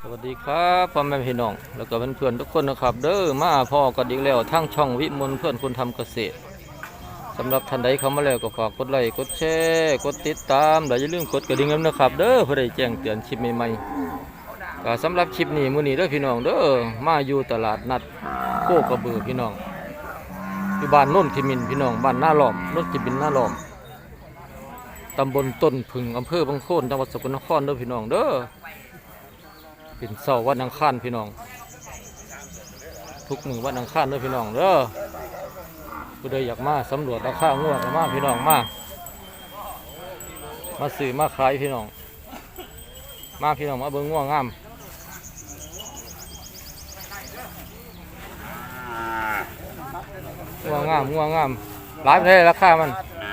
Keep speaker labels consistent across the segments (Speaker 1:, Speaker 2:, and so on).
Speaker 1: สวัสดีครับพ่อแม่พี่น้องแล้วก็เพื่อนๆทุกคนนะครับเด้อมาพ่อกันอีกแล้วทั้งช่องวิมลเพื่อนคนทำเกษตรสำหรับท่านใดเข้ามาแล้วก็ฝากกดไลค์กดแชร์กดติดตามและอย่าลืมกดกระดิ่งนะครับเด้อเพื่อได้แจ้งเตือนคลิปใหม่ๆก็สำหรับคลิปนี้มื้อนี้เด้อพี่น้องเด้อมาอยู่ตลาดนัดโคกระบือพี่น้องอยู่บ้านโน่นทิมินพี่น้องบ้านหน้าหลอมโน่นทิมินหน้าหลอมตำบลต้นผึ่งอำเภอบางโคนจังหวัดสกลนครเด้อพี่น้องเด้อเป็นเสาร์วันอังคารพี่น้องทุกมื้อวันอังคารเด้อพี่น้องเด้อผู้ใดอยากมาสำรวจราคางัวก็มาพี่น้องมาซื้อมาขายพี่น้องมาพี่น้องมาเบิ่งงัวงามงัวงามหลายประเทศราคามัน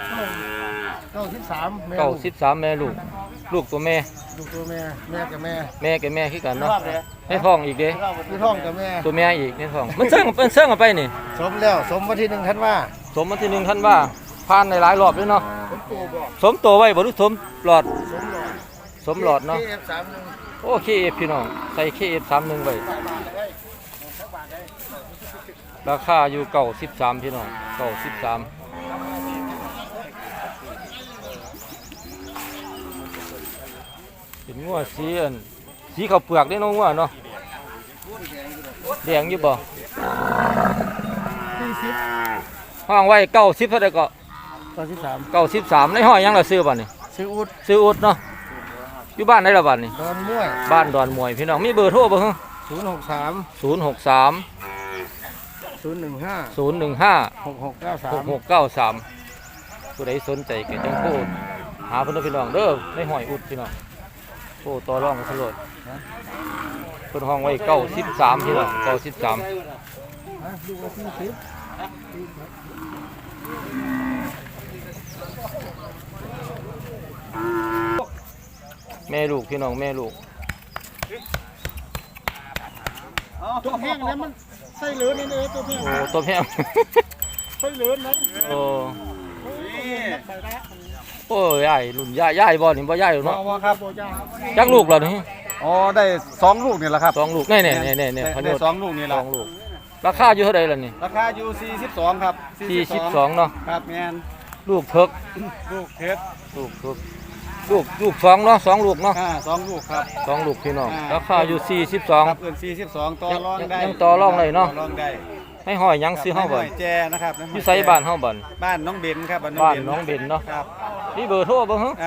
Speaker 1: 93แม่ลูกตัวแม่
Speaker 2: ลูกตัวแม่กับแม่
Speaker 1: กับแม่คือกันเนาะให้ท้องอีกเด้
Speaker 2: คือท้องกับแม่
Speaker 1: ตัวแม่อีกในท้องมันเสื่องกันไปนี่
Speaker 2: สมแล้วสมวันที่1ธันวา
Speaker 1: สมวันที่1ธันวาผ่านในหลายรอบเลยเนาะสมตัวไว้บ่รู้สมหลอดเนาะโอเคพี่น้องใส่ KF31 ไว้ราคาอยู่93พี่น้อง93เป็นงัวสีข้าวเปลือกได้น้องงัวเนาะแดงอยู่บ่ห้องไว้90เท่าใดก็93ในห้อยยังล่ะซื้อบ่นี่
Speaker 2: ซื้อ
Speaker 1: อุดเนาะอยู่บ้านไหนล่ะบ้านนี่
Speaker 2: ดอนม่วย
Speaker 1: บ้านดอนมวยพี่น้องมีเบอร์โทรบ่ฮะ
Speaker 2: 063
Speaker 1: 6693ผู้ใดสนใจก็จังโทรหาเพิ่นพี่น้องเด้อในห้อยอุดพี่น้องโอ้ต่อรองกันสลดเพิ่นห้องไว้93พี่น้อง93แม่ลูกพี่น้องแม่ลูก
Speaker 2: ตัวแห้งแล้วมันไส้เหลืองนี่เลยตัวแห้ง
Speaker 1: โอ้ตัวแห้ง
Speaker 2: ไส้เหลืองนะ
Speaker 1: โอ้ยายรุ่นยายบ่นี่บ่ยายหรอกเนาะ
Speaker 2: ครับ
Speaker 1: จักลูกแล้วนี่
Speaker 2: อ๋อได้2ลูกนี่แหละครับ
Speaker 1: 2ลูกนี่
Speaker 2: พน2ลูกนี่แหละ
Speaker 1: 2ลูกราคาอยู่เท่าใดล่ะนี่
Speaker 2: ราคาอยู่42ครับ
Speaker 1: 42เนาะ
Speaker 2: ครับแม่น
Speaker 1: ลูกเพิก
Speaker 2: ลูกเพชร
Speaker 1: ลูก2เนาะ2ลูกเนาะ
Speaker 2: 2ลูกครับ
Speaker 1: 2ลูกพี่น้องราคาอยู่42
Speaker 2: ครับ42ต่อรองได้
Speaker 1: ยังต่อรองได้เนาะ
Speaker 2: ต่อรองได้
Speaker 1: ให้ห้อยยังซื้อเฮาบ่
Speaker 2: แจนะครับ
Speaker 1: อยู่ไสบ้านเฮาบ่
Speaker 2: บ้านน้องเบนครับ
Speaker 1: บ้านน้องเบนเนาะ
Speaker 2: ครับ
Speaker 1: นี่เบอร์โทรบ่ฮะ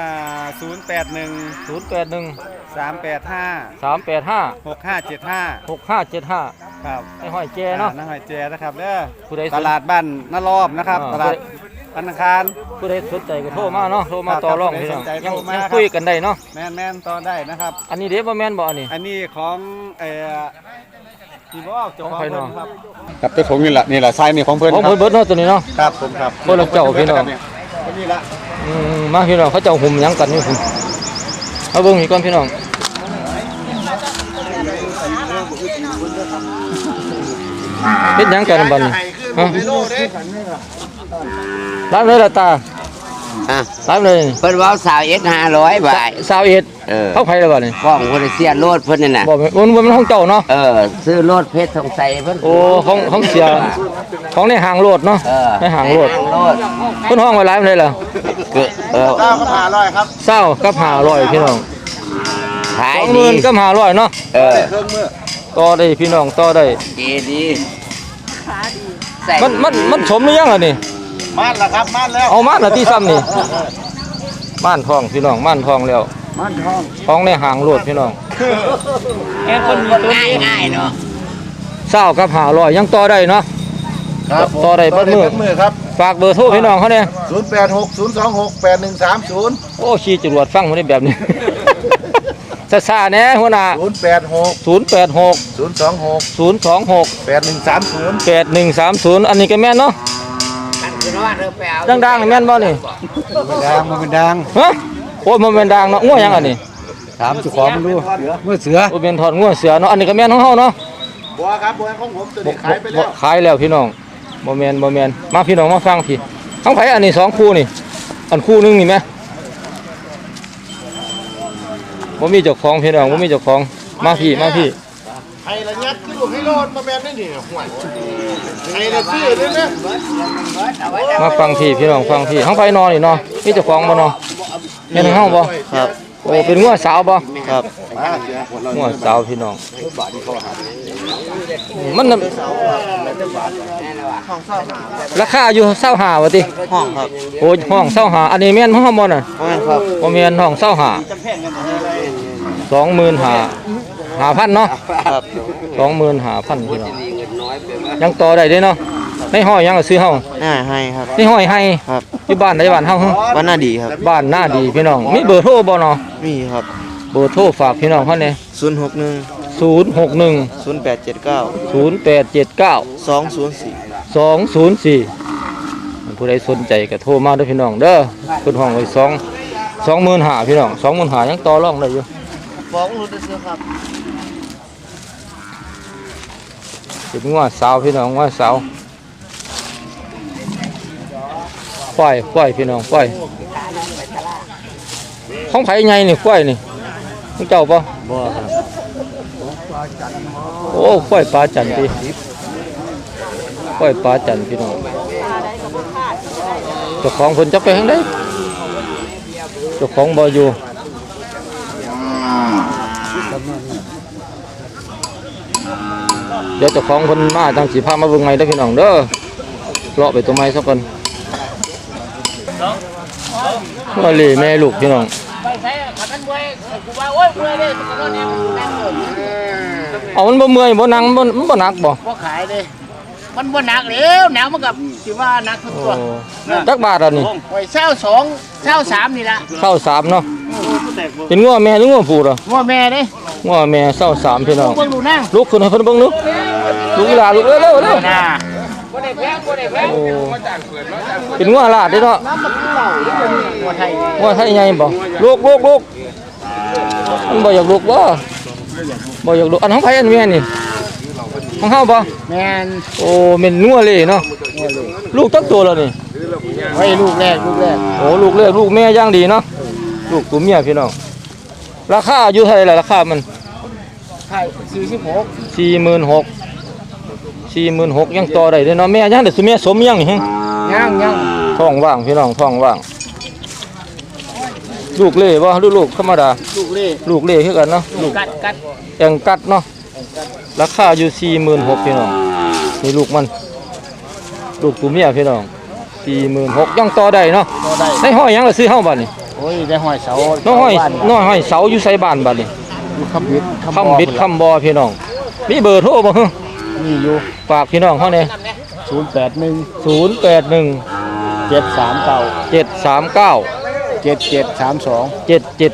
Speaker 2: 081 385
Speaker 1: 6575
Speaker 2: ครับ
Speaker 1: ให้ห้อยแจเนาะ
Speaker 2: ห้อยแจนะครับเด้อตลาดบ้านนารอบนะครับตลาดธนาคาร
Speaker 1: ผู้ใดสนใจก็โทรมาเนาะโทรมาต่อรองพี่น้องยังคุยกันได้เนาะ
Speaker 2: แม่นต่อได้นะครับ
Speaker 1: อันนี้เด้บ่แม่นบ่อัน
Speaker 2: นี้ของที่บอกเจ้าของ
Speaker 1: เนาะ
Speaker 2: ครับเจ้าของนี่แหละไซส์นี่ของเพิ่น
Speaker 1: ของเพิ่นเบิดเนาะตัวนี้เนาะ
Speaker 2: ครับผมครับ
Speaker 1: เพิ่นเจ้าพี่น้อง
Speaker 2: นี่ละ
Speaker 1: มาพี่น้องเขาเจ้าหุ่มยังกันนี่คุณเอาเบิ่งอีกก่อนพี่น้องเป็นยังกันบัดนี้ฮะรับเลยล่ะตารับเลย
Speaker 3: เพิ่นว่า21,500 บาท
Speaker 1: เขาไผแล้วบัดนี้
Speaker 3: ฟ้องเพิ่นเสียรถเพิ่นนั่นน่ะ
Speaker 1: บ่มันของเจ้าเนาะ
Speaker 3: ซื้อรถเพชรทองใสเพิ่น
Speaker 1: โอ้ของเสียของในห้างรถเนาะในห้างรถเพิ่นห้องไว้หลายเลยล่ะ
Speaker 2: 20กับ500ครับ
Speaker 1: 20กับ500พี่น้อง
Speaker 3: ขายดี
Speaker 1: 20,000กับ500เนาะต่อได้พี่น้องต่อได้
Speaker 3: ดี
Speaker 1: มันสมหรือยังล่ะนี่
Speaker 2: ม่านล่ะครับม่านแล้ว
Speaker 1: เอาม่านล่ะที่ซ้ำนี่ม่านทองพี่น้องม่านทองแล้ว
Speaker 2: ม่านทอง
Speaker 1: ของในห้างรถพี่น้อง
Speaker 3: แค่คนมีตัวง่ายเนาะ
Speaker 1: 20กับ500ยังต่อได้เนาะต่อได้เบิดมื้อ
Speaker 2: ครับ
Speaker 1: ฝากเบอร์โทรพี่น้องเขาเนี่ย
Speaker 2: 0860268130
Speaker 1: โอ้ชี้จรวดฟังบ่ได้แบบนี้ซ่าๆแน่หัวหน้า026 8130อันนี้ก็แม่นเนาะดังๆแม่นบ่นี่
Speaker 2: มันเป็นดัง
Speaker 1: ฮะโอ้ยมันเป็นดังเนาะงัวยังอันนี้
Speaker 2: ถามเจ้าของมันดูงัวเสือ
Speaker 1: โอ้เป็นถอดงัวเสือเนาะอันนี้ก็แม่นของเฮาเนาะ
Speaker 2: บ่ครับบ่ของผมตัวนี้ขายไปแล้ว
Speaker 1: ขายแล้วพี่น้องบ่แม่นมาพี่น้องมาฟังพี่ของไผอันนี้2คู่นี่อันคู่นึงนี่แม่บ่มีเจ้าของพี่น้องบ่มีเจ้าของมาพี่
Speaker 4: ไอ้ละยัดคือลูกให้รอดมาแม่นได้นี่ห่วยไอ้ละซื้อได้ไหม
Speaker 1: มาฟังพี่น้องฟังพี่ห้องไฟนอนนี่เนาะนี่เจ้าของบ่เนาะแม่นห้องบ่
Speaker 2: ครับ
Speaker 1: โอ้เป็นงัวสาวบ่
Speaker 2: ครับ
Speaker 1: งัวสาวพี่น้องมันน่ะราคาอยู่25ว่าติ
Speaker 2: ห้องครับ
Speaker 1: โอ้ห้อง25อันนี้แม่นห้องบ่น่ะ
Speaker 2: ห้องครับ
Speaker 1: บ่แม่นห้อง25 25,000เนาะ
Speaker 2: ครับ
Speaker 1: 25,000พี่น้องยังต่อได้เด้เนาะในห้อยยังก็ซื้อเฮา
Speaker 2: ให้ครับ
Speaker 1: ในห้อยให้
Speaker 2: ครับ
Speaker 1: อยู่บ้านใดบ้านเฮาฮะ
Speaker 2: บ้านน่าดีครับ
Speaker 1: บ้านหน้าดีพี่น้องมีเบอร์โทรบ่เนาะ
Speaker 2: มีครับ
Speaker 1: เบอร์โทรฝากพี่น้องเฮาแหน่
Speaker 2: 061
Speaker 1: 061
Speaker 2: 0879
Speaker 1: 0879
Speaker 2: 204
Speaker 1: 204ผู้ใดสนใจก็โทรมาเด้อพี่น้องเด้อเพิ่นห้องไว้25,000พี่น้อง25,000ยังต่อรองได้อยู่
Speaker 2: ฟ้องรู้ด้วยครับ
Speaker 1: เป็นงัวสาวพี่น้องงัวสาวควายพี่น้องควายของไผใหญ่นี่ควายนี่ของเจ้าป่ะ
Speaker 2: บ่ครับ
Speaker 1: โอ้ควายปลาจันทร์พี่ควายปลาจันทร์พี่น้องเจ้าของเพิ่นจะไปทางใดเจ้าของบ่อยู่เดี๋ยวเจ้าของเพิ่นมาทางสิพามาเบิ่งใหม่เด้อพี่น้องเด้อเลาะไปตัวไม้ซะก่อนว่าเลยแม่ลูกพี่น้อง
Speaker 5: ไปใช้ขัดกันมวยกูว่าโอ้ยมวยเลยตอนนี้นั่งเลย
Speaker 1: เอามันบ่เมื่อยบ่นั่งมันบ่หนักบ่
Speaker 5: พอขายเลยมันบ่หนักแล้วหนาวมันกับสิว่าหนักทุก
Speaker 1: โอ้
Speaker 5: ตัว
Speaker 1: จักบาทอ่ะนี่
Speaker 5: โอ้ยเช้าสองเช้าสามนี่ละ
Speaker 1: เศร้าสามเนาะเป็นงัวแม่หรืองัวผู้เหรอ
Speaker 5: งัวแม่เด้
Speaker 1: งัวแม่เศร้าสามพี่น้อง
Speaker 5: เบิ่งดูนั่ง
Speaker 1: ลุกขึ้นให้เพิ่นเบิ่งดูลุกอีหลาลุกเร็วเร็วเร็ว
Speaker 5: น่ะ
Speaker 1: โอ้เป็นงัวลาดเด้เนาะ
Speaker 5: งัวไทย
Speaker 1: งัวไทยใหญ่บ่ลุกมันบ่อยากลุกบ่อยากลุกอันของไผอันแม่นี่ของเฮาบ่
Speaker 5: แม่น
Speaker 1: โอ้แม่นงัวเลยเนาะลูกจักตัวแล้วนี่
Speaker 5: ไว้ลูกแรก
Speaker 1: โอ้ลูกเล็กลูกแม่ย่างดีเนาะลูกตัวเมียพี่น้องราคาอยู่เท่าไหร่ล่ะราคามัน
Speaker 5: ไทย46
Speaker 1: 46,000ยังต่อได้เด้อเนาะแม่ย่างได้สุเมียสมยังนี่ฮะ
Speaker 5: ยัง
Speaker 1: ท้องว่างพี่น้องท้องว่างลูกเล่บ่หรือลูกธรรมดา
Speaker 5: ลูกเล่
Speaker 1: ลูกเล่คือกันเนาะลูก
Speaker 5: กัด
Speaker 1: แองกัดเนาะราคาอยู่46,000พี่น้องนี่ลูกมันลูกตัวเมียพี่น้อง46,000ยังต่อได้เนาะ
Speaker 5: ก็ได้
Speaker 1: ให้ห้อยยังล่ะซื้อเฮาบัดนี้
Speaker 5: โอ้ยได้หอยเสา
Speaker 1: น้อยห้อยเสาอยู่ไสบ้านบัดนี้
Speaker 5: คำบิด
Speaker 1: คำบิดคำบอพี่น้องมีเบอร์โทรบ่ฮะ
Speaker 5: มีอยู่
Speaker 1: ฝากพี่น้องเขาเนี่ย
Speaker 5: 081
Speaker 1: 081
Speaker 5: 739
Speaker 1: 739
Speaker 5: 7732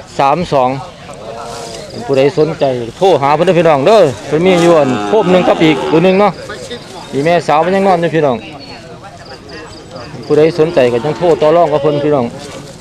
Speaker 1: 7732ผู้ใดสนใจโทรหาเพิ่นเด้อพี่น้องเด้อเพิ่นมีอยู่อันโคบหนึงกับอีกตัวหนึงเนาะอีแม่สาวมันยังนอนอยู่พี่น้องผู้ใดสนใจก็จังโทรต่อรองกับเพิ่นพี่น้อง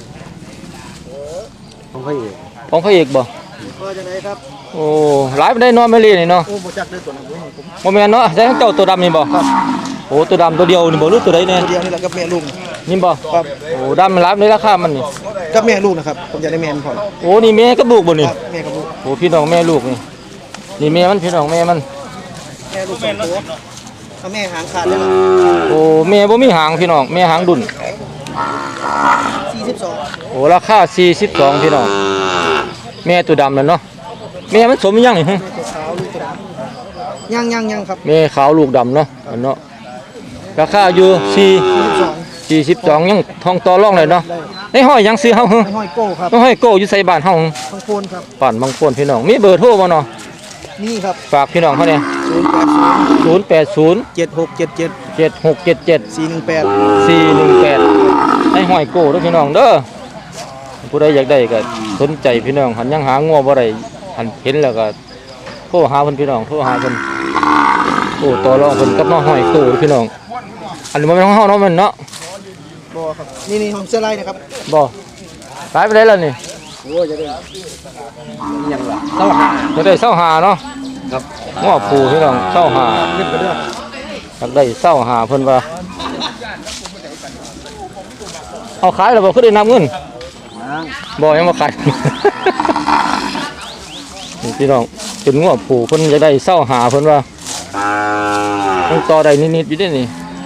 Speaker 2: ของพ่อเอก
Speaker 1: ของพระเอกบ่
Speaker 2: ก็จะได้ครับ
Speaker 1: โอ้หลายปานใดนอนไม่เลยนี่เนาะ
Speaker 2: โอ้บ่จักได้ตัวนั้นผม
Speaker 1: บ่แม่นเนาะใช่ทั้งเจ้าตัวดำนี่บ่โอ้ตัวดำตัวเดียวนี่บ่รู้ตัวใดแน่
Speaker 2: ตัวเดียวนี่แหละกับแม่ลูก
Speaker 1: นี่บ่
Speaker 2: ครับ
Speaker 1: โอ้ดำมันหลายปานใดราคามันนี่
Speaker 2: กับแม่ลูกนะครับผมจะได้แม่มันก่อน
Speaker 1: โอ้นี่แม่กับลูกบ่นี่
Speaker 2: ครับแม่กับลูก
Speaker 1: โอ้พี่น้องแม่ลูกนี่นี่แม่มันพี่น้องแม่มัน
Speaker 2: แม่ลูกสองตัวถ้าแม่หางขาดเลยล่ะ
Speaker 1: โอ้แม่บ่มีหางพี่น้องแม่หางดุน
Speaker 2: 42
Speaker 1: โอ้ราคา42พี่น้องแม่ตัวดำนั่นเนาะแม่มันสมยังนี่ฮะ
Speaker 2: ตัวขาวลูกตัวดำยังครับ
Speaker 1: แม่ขาวลูกดำเนาะอันเนาะราคาอยู่42ยังทองต่อรองเลยเนาะในห้อยยังซื้อเฮาฮะ
Speaker 2: ไอ้ห้อยโก้ครับ
Speaker 1: ในห้อยโก้อยู่ใส่บ้านเฮา
Speaker 2: ข้างโคนครับ
Speaker 1: บ้านบางคนพี่น้องมีเบอร์โทรบ่เนาะ
Speaker 2: นี่ครับ
Speaker 1: ฝากพี่น้องเขาเนี่ย080
Speaker 2: 7677
Speaker 1: 7677
Speaker 2: 418
Speaker 1: 418ให้ห้อยโก้เด้อพี่น้องเด้อผู้ใดอยากได้ก็สนใจพี่น้องหันยังหางัวบ่ได้หันเห็นแล้วก็โทรหาเพิ่นพี่น้องโทรหาเพิ่นโอ้ต่อรองเพิ่นกับน้องห้อยโก้พี่น้องอันนี้บ่แม่นของเฮาเนาะแม่นเนาะ
Speaker 2: บ่ครับนี่ของเสื้อลายนะครับ
Speaker 1: บ่ขายไปได้แล้วนี่
Speaker 2: โอ้จะได้ยังล่ะ
Speaker 1: จะได้25เนาะครับงัวผูพี่น้อง25
Speaker 2: ขึ้นไปเด้อ
Speaker 1: อยากได้25เพิ่นว่าเอาขายแล้วบ่คือได้นำเงินบ่ยังบ่ขาย นี่พี่น้องเป็นงัวผูเพิ่นจะได้เศร้าหาเพิ่นว่าต้องต่อได้นิดๆอยู่เด้นี่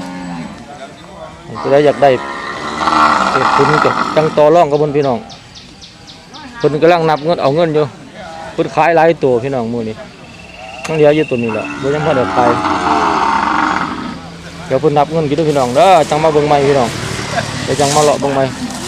Speaker 1: จะได้อยากได้เก็บทุนกับจังต่อรองกับเพิ่นพี่น้องเพิ่นกำลังนับเงินเอาเงินอยู่เพิ่นขายหลายตัวพี่น้องมื้อนี้ต้องเหลืออยู่ตัวนี้แหละบ่ยังพอได้ขายเดี๋ยวเพิ่นนับเงินกินด้วยพี่น้องเด้อจังมาเบิ่งใหม่พี่น้องเดี๋ยวจังมาเลาะเบิ่งใหม่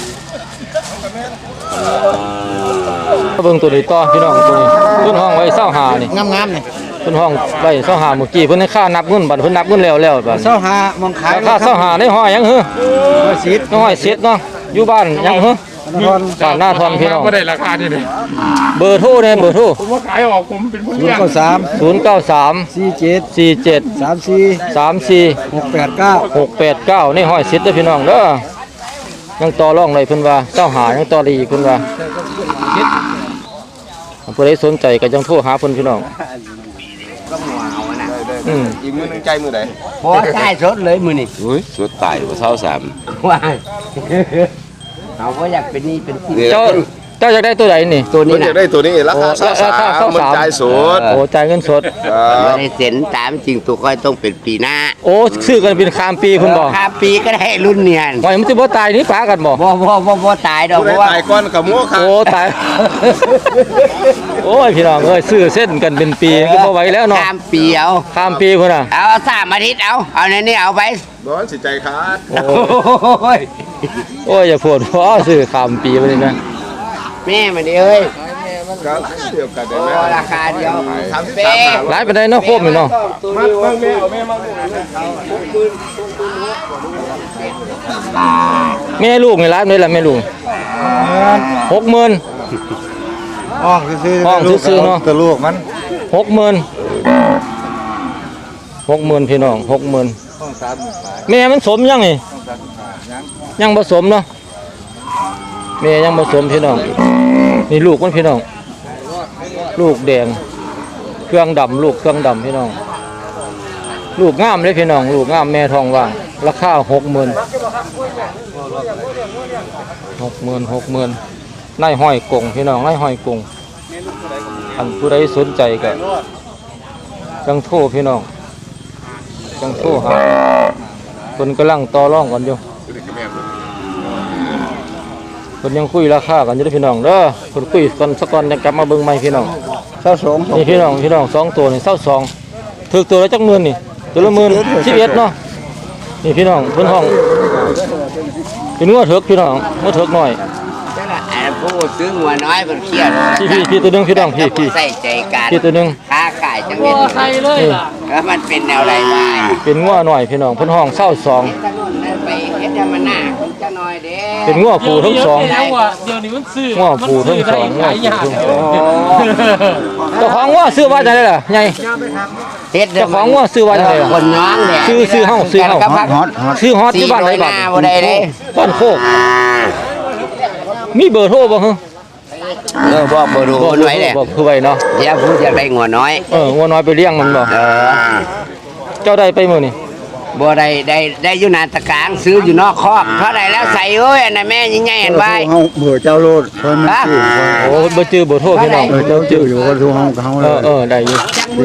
Speaker 1: มาเบิ่งตัวนี้ต่อพี่น้องตัวนี้เพิ่นห้องไว้25นี่
Speaker 2: งามๆนี่
Speaker 1: เพิ่นห้องไว้25เมื่อกี้เพิ่นให้ค่านับเงินบัดเพิ่นนับเงินแล้วบัด
Speaker 2: เศร้าหามองขาย
Speaker 1: ค่า25ในห้อยยังหือ
Speaker 2: สิทธิ์
Speaker 1: น้อยเสร็จเนาะอยู่บ้านยังหือ
Speaker 2: ทอน
Speaker 1: บ้านหน้าทอนพี่น้อง
Speaker 4: ไม่ได้ราคาที่นี่
Speaker 1: เบอร์โทรเนี่ยเบอร์โทร
Speaker 4: ผมว่าขายออกผมเป็นผู้
Speaker 2: ศูน
Speaker 4: เลี้ย
Speaker 2: ย์
Speaker 4: ง
Speaker 2: เก้าสาม
Speaker 1: 093
Speaker 2: 47
Speaker 1: 47
Speaker 2: 34
Speaker 1: 34
Speaker 2: 689
Speaker 1: 689ในห้อยสิทธิ์เด้อพี่น้องเด้อยังต่อรองเลยเพิ่นว่าเจ้าหายังต่อได้อีกเพิ่นว่าผู้ใดสนใจก็จังโทรหาเพิ่นพี่น้อง
Speaker 3: อีกมือนึงใจมือไหน
Speaker 2: บ่ใช่สดเลยมื้อนี้
Speaker 3: อุ้ยสุดตายว่าเท่าสาม
Speaker 2: ว้ายเอาบ่อยากเป็นนี่เป็นสิ
Speaker 1: เจ้าอยากได้ตัวใดนี่
Speaker 2: ตัว
Speaker 6: มั
Speaker 2: นี้
Speaker 6: นอยา
Speaker 2: น่ะ
Speaker 6: กได้ตัวนี้ราคา
Speaker 1: โอ้
Speaker 6: สาม
Speaker 1: ราคา
Speaker 6: มันจ่ายสูตร
Speaker 1: โอ้จ่ายเงินสด
Speaker 2: บ่ได้เซ็นตามจริงตัวค่อยต้องเป็นปีหน้า
Speaker 1: โอ้ซื้อกันเป็นข้ามปีเพิ่นบ่
Speaker 2: ข้ามปีก็ได้รุ่นเนียน
Speaker 1: ว่ามันสิบ่ตายนี่ปากันบ่
Speaker 2: บ่ตายดอก
Speaker 6: ผู้
Speaker 2: เพ
Speaker 6: ใด
Speaker 2: ราะว่า
Speaker 6: ตายก้อนกับมัวค่ะ
Speaker 1: โอ้ตาย โอ้ยพี่น้องเอ้ยซื้อเส้นกันเป็นปีก็บ่ไหวแล้วเนาะ
Speaker 2: ข้ามปีเอา
Speaker 1: ข้ามปีพุ่นน่ะ
Speaker 2: เอา3อาทิตย์เอาในนี้เอาไป
Speaker 6: ร้อนสิใจขาด
Speaker 1: โอ้
Speaker 2: โอ้ย
Speaker 1: โอ้ยอย่าพูดเพราะซื้อข้ามปีไปเลยนะ
Speaker 2: แม่มันนี่เอ้ย
Speaker 6: ก็เดียวกันได้
Speaker 2: โอ้
Speaker 6: ไหม
Speaker 2: ราคาเดียว
Speaker 1: หลายปานใดเนาะโคมนี่เนาะแม่ลูกนี่หลายปานใดล่ะแม่ลูก 60,000
Speaker 2: ห้องซื้อ
Speaker 1: ห้องซื้อๆเนาะ
Speaker 2: แต่ลูกมัน
Speaker 1: 60,000 พี่น้อง 60,000 แม่มันสมยังนี่ยังผสมเนาะแม่ยังผสมพี่น้องนี่ลูกมันพี่น้องลูกแดงเครื่องดำลูกเครื่องดำพี่น้องลูกงามเลยพี่น้องลูกงามแม่ทองว่างราคา60,000นายห้อยกงพี่น้องนายห้อยกงอันผู้ใดสนใจก็จังโทรพี่น้องจังโทรหาคนกำลังต่อรองกันอยู่คนยังคุยราคากันอยู่เด้อพี่น้องเด้อคนคุยกันสักก่อนจะกลับมาเบิ่งใหม่พี่น้อง
Speaker 2: 22
Speaker 1: นี่พี่น้องสองตัวนี่22ถึกตัวละจักหมื่นนี่ตัวละ11,000เนาะนี่พี่น้องเพิ่นห้องเป็นงัวเถิกพี่น้องงัวเถิกน้อย
Speaker 2: ผู้ซื้อหัวน้อยมันเครียด
Speaker 1: พี่ตัวหนึงพี่น้องพี่
Speaker 2: ใส่ใจกัน
Speaker 1: พี่ตัวหนึง
Speaker 2: ค้าขายจังเม็ด
Speaker 5: ใครเลยล่ะ
Speaker 2: แล้วมันเป็นแนวไรบ้าง
Speaker 1: เป็นงัวน้อยพี่น้องเพิ่นห้อง22
Speaker 2: ถนนนั่นไปเฮ็ดให้มันหน้าคุณจะน้อยเด้
Speaker 1: เป็นงัวผูทั้งสอง
Speaker 5: เดี๋ยวนี้มันซื้อ
Speaker 1: ง้อผูทั้งสอง
Speaker 5: หลายอย่าง
Speaker 1: เจ้าของงัวซื้อว่าจังได๋ล่ะใหญ่
Speaker 2: เฮ็ด
Speaker 1: เจ้าของงัวซื้อว่าจังได๋ล่ะ
Speaker 2: คนย้องแหละ
Speaker 1: ซื้อเฮาซื้อเฮา
Speaker 2: กับพัก
Speaker 1: ซื้อฮอตอยู่บ้านไหนบ้าน
Speaker 2: หน้าบ่ได้เด้
Speaker 1: บ้านโคกมีเบอร์โทรบ่ฮะ
Speaker 2: บอกบ่รู้คนไว้แหละ
Speaker 1: บอกคือไว้เนาะ
Speaker 2: อย่าพูดจะได้งัวน้อย
Speaker 1: งัวน้อยไปเลี้ยงมันบ่ เจ้าได้ไปมื้อนี่
Speaker 2: บ่ได้อยู่หน้าตะกลางซื้ออยู่นอกคอกเท่าไหร่แล้วใส่เอ้ยอันน่ะแม่ใหญ่ๆเห็นไว้
Speaker 7: เบื่อเจ้าโลดเพิ่นมันชื่อ
Speaker 1: โอ้บ่จื้อเบอร์โทรพี่น้อง
Speaker 7: เจ้าชื่ออยู่คนทุกห้องเขาเลย
Speaker 1: ได้อยู่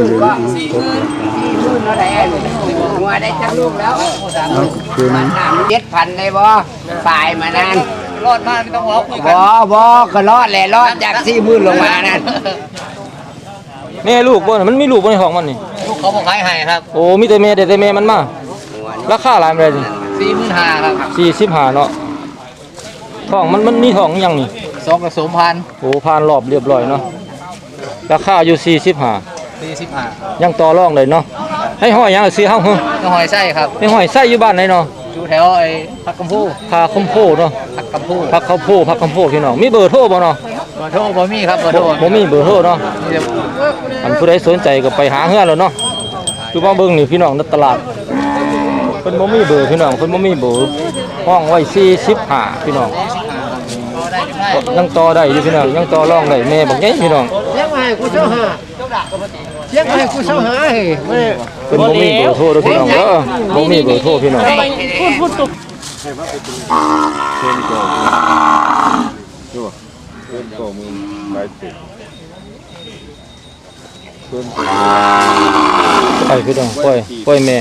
Speaker 2: งัวได้จักลูกแล้ว
Speaker 7: คือมัน
Speaker 2: 7,000ได้บ่ฝ่ายมานาน
Speaker 5: รอดมากไม่ต้องร้องคุยกัน
Speaker 2: บ่ก็รอดแหละรอดจาก40,000ลงมานั่น
Speaker 1: แม่ลูกบ่น่ะมันมีลูกบ่ในท้องมันนี่
Speaker 5: ลูกเขาบอกขายให้ครับ
Speaker 1: โอ้มีแต่แม่แต่แม่มันมาราคาหลายปานใดนี่
Speaker 5: 45,000ครับ
Speaker 1: 45เนาะท้องมันมีท้องยังนี่
Speaker 5: 2กับ2,000
Speaker 1: โอ้ผ่านรอบเรียบร้อยเนาะราคาอยู่45
Speaker 5: 45
Speaker 1: ยังต่อรองได้เนาะให้ห้อยยังซื้อเฮา
Speaker 5: ก็หอยไส้ครับ
Speaker 1: ให้ห้อยใส่อยู่บ้านไหนเนาะ
Speaker 5: อยู่แถวไอ้พักกำพู
Speaker 1: พาคมโพเนาะ
Speaker 5: พักกำพู
Speaker 1: พักข้าวโพพักคำโพพี่น้องมีเบอร์โทรบ่เนาะ
Speaker 5: เบอร์โทรบ่มีครับเบอร์โทร
Speaker 1: บ่มีเบอร์โทรเนาะ
Speaker 5: มีแต่
Speaker 1: อันผู้ใดสนใจก็ไปหาเฮือนแล้วเนาะอยู่มาเบิ่งนี่พี่น้องในตลาดเพิ่นบ่มีเบอร์พี่น้องเพิ่นบ่มีเบอร์ห้องไว้45พี่น้องยังต่อได้อยู่พี่น้องยังต่อรองได้แม่บักใหญ่พี่น้อง
Speaker 5: เลี้ยงให้กูเช่าหาเลี้ยงให้กูเช่าหาเฮ้ยไม่ได้
Speaker 1: เพิ่นบ่มีเบอร์โทรเด้อพี่น้องเด้อบ่มีเบอร์โทรพี่น้อง
Speaker 5: พูดตุก
Speaker 6: ก็มึงไปติด
Speaker 1: ไปพี่น้องปล่อยแม่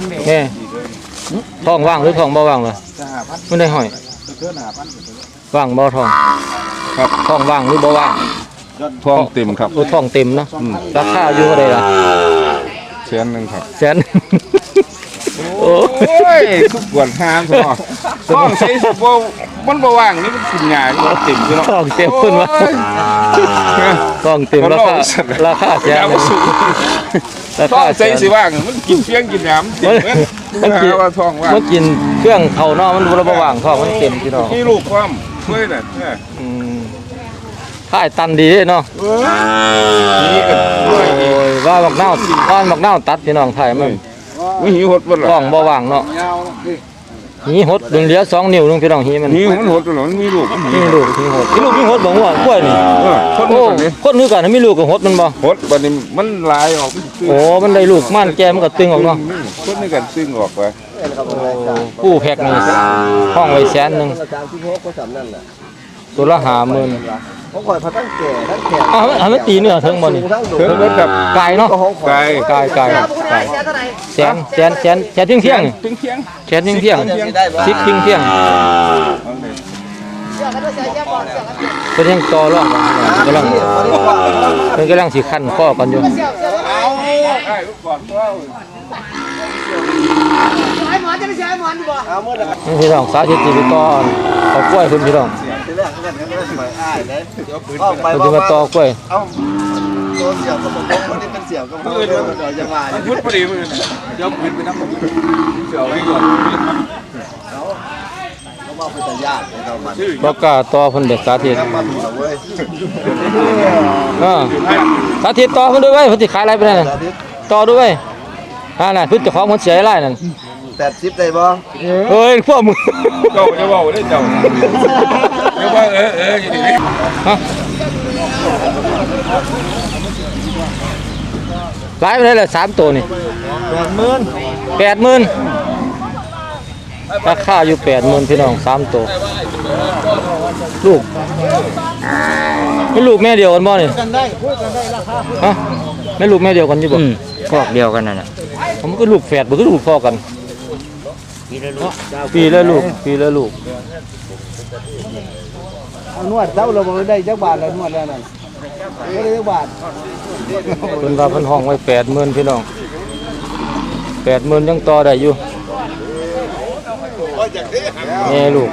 Speaker 1: ท้องว่างหรือท้องบ่ว่างล่ะไม่ได้ห้อยว่างบ่ท้องครับท้องว่างหรือบ่ว่าง
Speaker 6: ท้องเต็มครับ
Speaker 1: โอ้ท้องเต็มเนาะราคาอยู่เท่าใดล่ะ
Speaker 6: 100,000ครับ
Speaker 1: แสนโอ้
Speaker 6: โอ้ยทุกปวดห้ามซะเนาะท้องใส่สิบ่มันบ่ว่างนี่มันกินยาบ่เต็มอยู่เนาะ
Speaker 1: ท้องเต็มเพิ่นว่าท้องเต็มราคาแสน
Speaker 6: ยาบ่สูง
Speaker 1: รา
Speaker 6: ท้อ
Speaker 1: คาง แส
Speaker 6: ใส่
Speaker 1: น
Speaker 6: สิว่างมันกินเพียงกินน้ำเต็มเว้ย
Speaker 1: มันกิน
Speaker 6: ว่าท้องว่าง
Speaker 1: มันกินเครื่องเข้าเนาะมันบ่ว่างท้องมันเต็มพี่น้อง
Speaker 6: มีลูกความเว้ยน่ะเนี่ย
Speaker 1: ค่ายตันดีเนาะ
Speaker 6: นี่ก็ด้วย
Speaker 1: โอ้ยว่าบักนาวตัดพี่น้องไทยมัน
Speaker 6: มีหิวหดบ่ล่ะ
Speaker 1: ท้องบ่ว่างเนาะหีหดดึงเหลือ2นิ้วนึงพี่น้องหีมัน
Speaker 6: หิวมันหดบ่ล่ะมันมีลูกมัน
Speaker 1: มีลูกหีหดมีหดบ่หัวกล้วยนี่
Speaker 6: คน
Speaker 1: โอ้
Speaker 6: นี้
Speaker 1: คนนึกกันมีลูกก็หดมันบ่
Speaker 6: หดบัดนี้มันลายออก
Speaker 1: โอ้มันได้ลูกม่านแก่มันก็ตึงออกเนาะ
Speaker 6: คนนี้กันซึ่งออกไป
Speaker 1: ผู้แพ็คนี่ห้องไว้แสนนึงตัวละ50,000
Speaker 5: ผมคอยพาตั้งแก่ตั้งแก่
Speaker 1: อ้าวมันตีเนื้อเทิงบ่นี่
Speaker 6: เพิ่นเบิดกับ
Speaker 1: ไก่เนาะ
Speaker 6: ไก่
Speaker 1: ไก่แสนเที่ยงๆนี่
Speaker 6: ถึงเที่ยง
Speaker 1: แสนเที่ยงๆ10เที่ยงเป็นยังต่อรองกันกำลังสิคันข้อกันอยู่นี่พี่น้องสาธิตไปต่อเอากล้วยคุณพี่น้องเราจะมาต่อกล้วย
Speaker 5: ตัวเสี่ยวก็บอกว่านี่เป็นเสี่ยวก็บอกว่าจะมา
Speaker 6: พุดพอดีมื้อเดี๋ยวขึ้นไปนำเสียวให้ก่อน
Speaker 5: เขาบอกเป็นตาญาติเขามา
Speaker 1: บ่กล้าต่อเพิ่นเด็กสาธิต
Speaker 5: มาถึงเว้ย
Speaker 1: สาธิตต่อเพิ่นด้วยเว้ยเพิ่นสิขายอะไรไปนั่นต่อด้วยเว้ยน่ะเพิ่นเจ้าของเพิ่นเสียหลายนั่น
Speaker 5: 80ได้บ่
Speaker 1: เฮ้ยพวกมึง
Speaker 6: เจ้าจะเว้าได้เจ้าเดี๋ยวว่าอยู่นี่
Speaker 1: ฮะหลายไปเลยล่ะ3ตัวนี่ 80,000ราคาอยู่ 80,000พี่น้อง3ตัวลูกไม่ลูกแม่เดียวกันบ่นี่กันได้คุยกันได้ราคาฮะแม่ลูกแม่เดียวกันอยู่บ่พวกเดียวกันนั่นน่ะผมก็ลูกแฝดบ่คือลูกพ่อกันปีละลูก
Speaker 5: นวดเท่าเราบ่ได้จักบาทแล้วนวดแล้วนั่นบ่ได้จักบาท
Speaker 1: เพิ่นว่าเพิ่นห้องไว้ 80,000พี่น้อง 80,000ยังต่อได้อยู่แม่ลูก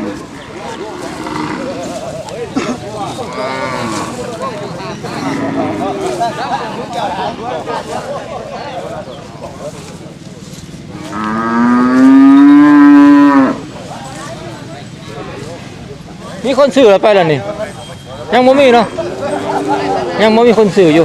Speaker 1: มีคนซื้อแล้วไปแล้วนี่ยังบ่มีเนาะยังบ่มีคนซื้ออยู่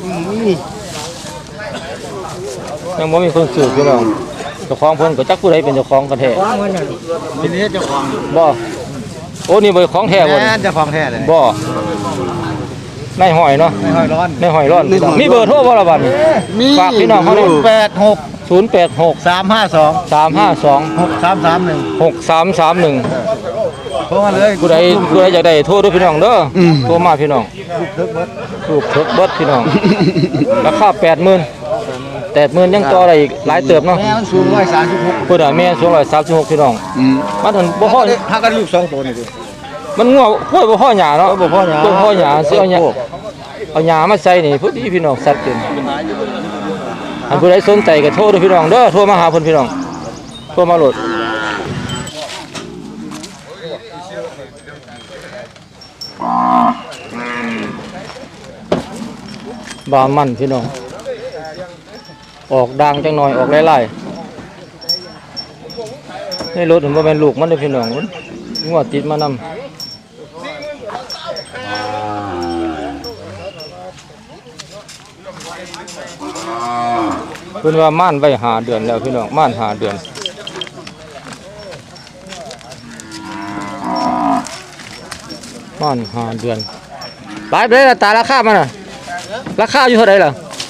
Speaker 1: ยังบ่มีคนซื้อพี่น้องเจ้าของเพิ่นก็จักผู้ใดเป็นเจ้าของกันแท้
Speaker 5: เป็นเฮ็ดเจ้าของ
Speaker 1: บ่โอ้นี่บ่ของแท้บ่นี่
Speaker 5: เจ้าของแท้เลย
Speaker 1: บ่ในหอยเนาะ
Speaker 5: ไม่ห้อยร้อน
Speaker 1: ในหอยร้อนมีเบอร์โทรบ่ล่ะบัดนี้ฝากพี่น้องเขาได้
Speaker 5: 86
Speaker 1: 086
Speaker 5: 352
Speaker 1: 352
Speaker 5: 6331
Speaker 1: 6331
Speaker 5: โทรมาเลย
Speaker 1: ผู้ใดอยากได้โทรด้วยพี่น้องเด้ออโทรมาพี่น้องลูกเถิกเบิดพี่น้องราคา 80,000ยังต่อได้อีกหลายเติบเนาะ
Speaker 5: แม่มันสูง136
Speaker 1: เพิ่นน่ะแม่สูง136พี่น้องมันถึงบ่พอ
Speaker 5: ถ้ากันลูก2ตัวนี่ดิ
Speaker 1: มันงัวกล้วยบ่พอหญ้าเนาะ
Speaker 5: บ่พอหญ้า
Speaker 1: บ่พอหญ้าสิเอาหญ้ามาใส่นี่พอดีพี่น้องสัตว์เต็มอันผู้ใดสนใจก็โทรเด้อพี่น้องเด้อโทรมาหาเพิ่นพี่น้องโทรมาโหลดบามันพี่น้องออกดังจังหน่อยออกหลายๆในรถเห็นบ่แม่นลูกมันเด้อพี่น้องมันงัวติดมานำเพิ่นว่าม่านไว้5 เดือนแล้วพี่น้องม่าน5 เดือนม่าน5 เดือนหลายไปเลยล่ะตาราคามันน่ะราคาอยู่เท่าไหร่ล่ะ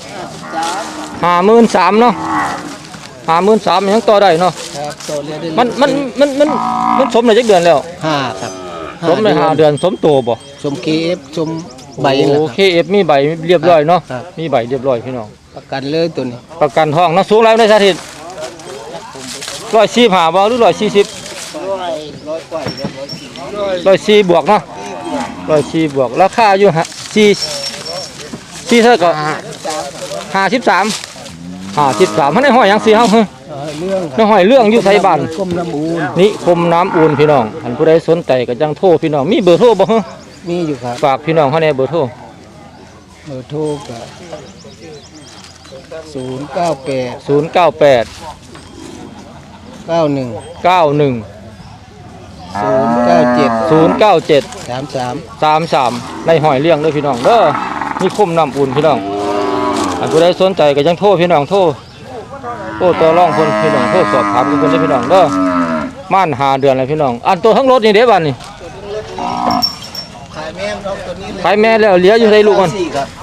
Speaker 1: 53,000เนาะ53,000ยังต่อได้เนาะ
Speaker 5: ครับตัวเรียนได้
Speaker 1: มันสมได้จักเดือนแล้ว
Speaker 5: 5ครับ
Speaker 1: สมได้5 เดือนสมโตบ่
Speaker 5: สม KF สมใบนั่นแหละ
Speaker 1: โอ
Speaker 5: ครับ
Speaker 1: เคเอฟมีใบเรียบร้อยเนาะ
Speaker 5: ครับ
Speaker 1: มีใบเรียบร้อยพี่น้อง
Speaker 5: ประกันเลยตัวนี้
Speaker 1: ประกันทองนะสูงแล้วได้สาธิต145บ่หรือ140 104บวกเนาะ104บวกราคาอยู่4เท่าก็53มันได้ห้อยหยังสิเฮาเฮ้ย
Speaker 5: เรื่อง
Speaker 1: ได้ห้อยเรื่องอยู่ไสบ้าน
Speaker 5: ก้มน้ำอูน
Speaker 1: นี่คมน้ำอุ่นพี่น้องอันผู้ใดสนใจก็จังโทรพี่น้องมีเบอร์โทรบ่ฮะ
Speaker 5: มีอยู่ครับ
Speaker 1: ฝากพี่น้องเฮาแน่เบอร์โทร
Speaker 5: เบอร์โทรกับ098
Speaker 1: 098
Speaker 5: 91
Speaker 1: 91
Speaker 5: 097
Speaker 1: 097
Speaker 5: 33
Speaker 1: 33ในหอยเลี้ยงเด้อพี่น้องเด้อมีคมน้ำอุ่นพี่น้องอันผู้ใดสนใจก็จังโทรพี่น้องโทรต่อรองเพิ่นพี่น้องโทรสอบถามเพิ่นได้อพี่น้องเด้อม่าน5เดือนแล้วพี่น้องอันตัวทั้งรถนี่เด้บัดนี่
Speaker 5: ขายแม่น้องตัวนี้เลย
Speaker 1: ขายแม่แล้วเหลืออยู่ในลูกมัน
Speaker 5: 4ครับ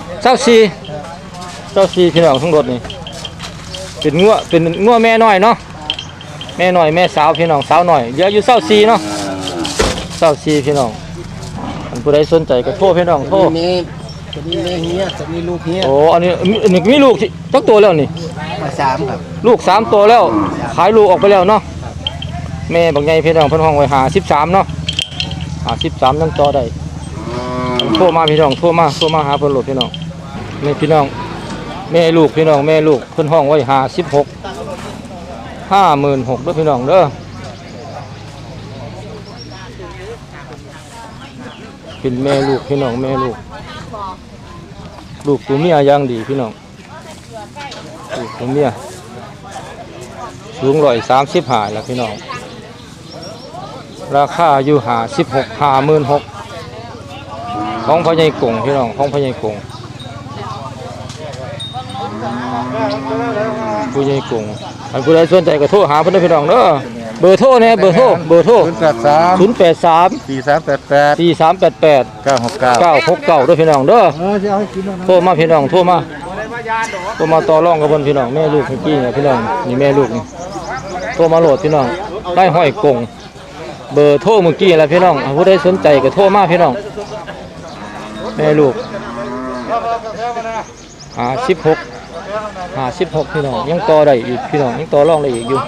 Speaker 1: 24พี่น้องทั้งรถนี่เป็นงัวแม่น้อยเนาะแม่น้อยแม่สาวพี่น้องสาวน้อยเหลืออยู่24เนาะ24พี่น้องอันผู้ใดสนใจก็โทรพี่น้องโทร
Speaker 5: ตัวนี้แม่เฮียตัวนี้ลูกเฮีย
Speaker 1: โอ้อันนี้มีลูกจักตัวแล้วนี่
Speaker 5: มา3ครับ
Speaker 1: ลูก3ตัวแล้วขายลูกออกไปแล้วเนาะแม่บักใหญ่พี่น้องเพิ่นห้องไว้53เนาะ53ยังต่อได้โทรมาพี่น้องโทรมาหาเพิ่นโหลดพี่น้องแม่พี่น้องแม่ลูกพี่น้องแม่ลูกเพิ่นห้องไว้56 56,000เด้อพี่น้องเด้อเป็นแม่ลูกพี่น้องแม่ลูกตัวเมียอย่างดีพี่น้องลูกตัวเมียสูง135แล้วพี่น้องราคาอยู่56 56,000ของพ่อใหญ่กงพี่น้องของพ่อใหญ่กงผู้ใหญ่กงอันผู้ใดสนใจก็โทรหาเพิ่นเด้อพี่น้องเด้อเบอร์โทรเนี่ยเบอร์โทร
Speaker 7: 083
Speaker 1: 083
Speaker 7: 4388
Speaker 1: 4388
Speaker 7: 969
Speaker 1: 969ด้วยพี่น้องเด้อ
Speaker 7: จะเอาให้กินแล้วนะ
Speaker 1: โทรมาพี่น้องโทรมาต่อรองกับเพิ่นพี่น้องแม่ลูกเมื่อกี้เนี่ยพี่น้องนี่แม่ลูกนี่โทรมาโหลดพี่น้องได้ห้อยกงเบอร์โทรเมื่อกี้แหละพี่น้องผู้ใดสนใจก็โทรมาพี่น้องแม่ลูก56พี่น้องยังต่อได้อีกพี่น้องยังต่อรองได้อีกอยู่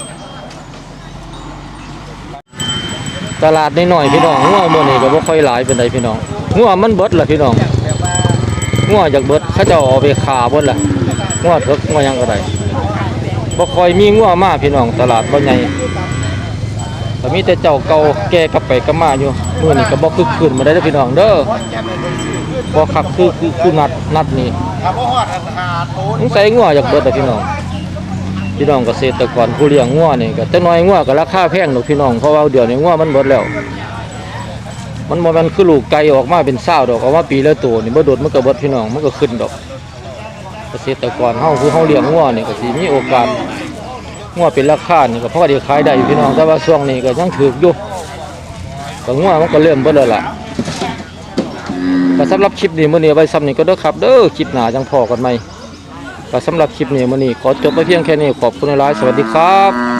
Speaker 1: ตลาดน้อยๆพี่น้องงัวมื้อนี้ก็บ่ค่อยหลายปานใดพี่น้องงัวมันเบิดล่ะพี่น้องงัวจากเบิดเขาเจ้าเอาไปฆ่าเบิดล่ะงัวเถิกงัวหยังก็ได้บ่ค่อยมีงัวมาพี่น้องตลาดบ่ใหญ่ก็มีแต่เจ้าเก่าแก่กลับไปกลับมาอยู่มื้อนี้ก็บ่คึกคืนมาได้เด้อพี่น้องเด้อบ่คักคือนัดนี่
Speaker 4: ถ้าบ่ฮอดหาโต
Speaker 1: สงสัยงัวจากเบิดล่ะพี่น้องเกษตรกรผู้เลี้ยงงัวนี่ก็จักหน่อยงัวก็ราคาแพงดอกพี่น้องเพราะว่าเดี๋ยวนี้งัวมันเบิดแล้วมันบ่แม่นคือลูกไก่ออกมาเป็น20ดอกออกมาปีละตัวนี่บ่โดดมันก็เบิดพี่น้องมันก็ขึ้นดอก เกษตรกรเฮาคือเฮาเลี้ยงงัวนี่ก็สิมีโอกาสงัวเป็นราคานี่ก็พอได้ขายได้อยู่พี่น้องแต่ว่าช่วงนี้ก็ยังถูกอยู่ก็งัวมันก็เริ่มเบิดแล้วล่ะก็สำหรับคลิปนี้มื้อนี้ไว้ซ้ำนี้ก็เด้อครับเด้อคลิปหน้าจังพอกันใหม่ก็สำหรับคลิปนี้มื้อนี้ขอจบไปเพียงแค่นี้ขอบคุณหลายๆสวัสดีครับ